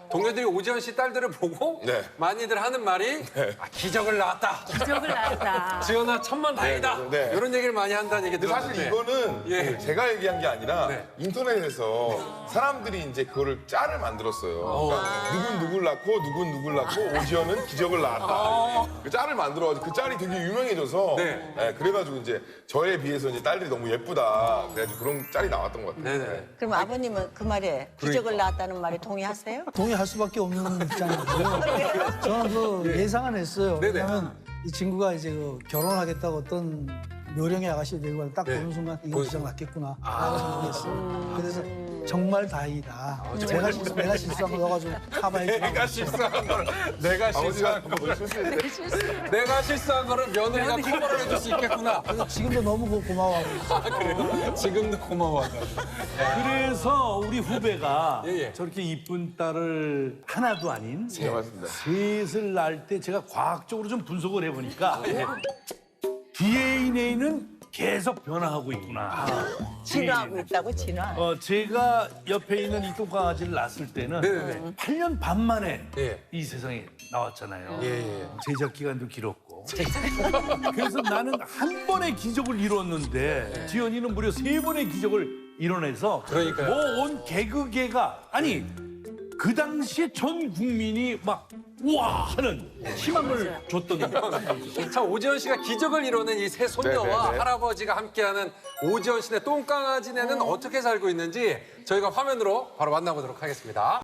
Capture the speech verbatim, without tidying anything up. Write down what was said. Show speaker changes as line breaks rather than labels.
동료들이 오지연 씨 딸들을 보고
네.
많이들 하는 말이 아, 기적을 낳았다.
기적을 낳았다.
지연아 천만 다행이다.
네, 네, 네.
이런 얘기를 많이 한다는 얘기
근데 사실
들었는데.
이거는
예.
그 제가 얘기한 게 아니라
네.
인터넷에서 사람들이 이제 그거를 짤을 만들었어요. 그러니까 누군 누굴 낳고 누군 누굴 낳고 오지연은 기적을 낳았다. 그 짤을 만들어가지고 그 짤이 되게 유명해져서
네.
네, 그래가지고 이제 저에 비해서 이제 딸들이 너무 예쁘다. 그래가지고 그런 짤이 나왔던 것 같아요.
네네.
그럼 아버님은 그 말에 기적을 낳았다는 말에 동의하세요?
동의할 수밖에 없는 입장이고요. 저는 그 예상은 했어요.
네네.
왜냐하면 이 친구가 이제 그 결혼하겠다고 어떤 요령의 아가씨 되고 딱
네.
보는 순간 이거
보는
기적
순간.
났겠구나 라고 생각했어요. 그래서 정말 다행이다. 내가, 실수, 내가 실수한 거 넣어가지고 카바해
내가 실수한 거를 내가 실수한
아버지가
거를
실수했는데.
내가 실수한 거를 며느리가 커버를 해줄 수 있겠구나.
그래서 지금도 너무 고- 고마워하고 있어요.
아, 그래요? 지금도 고마워하다.
그래서 우리 후배가
예, 예.
저렇게 이쁜 딸을 하나도 아닌
네, 맞습니다.
셋을 낳을 때 제가 과학적으로 좀 분석을 해보니까
예.
디엔에이는 계속 변화하고 있구나.
진화하고 있다고 진화.
어, 제가 옆에 있는 이 똥강아지를 낳았을 때는
네네네.
팔 년 반 만에
예.
이 세상에 나왔잖아요.
예, 예.
제작 기간도 길었고. 그래서 나는 한 번의 기적을 이뤘는데 지연이는 무려 세 번의 기적을 이뤄내서
그러니까요.
뭐 온 개그계가 아니 그 당시에 전 국민이 막 우와 하는 희망을 줬던
참 오지연 씨가 기적을 이루는 이 세 손녀와
네네네.
할아버지가 함께하는 오지연 씨네 똥강아지네는 어떻게 살고 있는지 저희가 화면으로 바로 만나보도록 하겠습니다.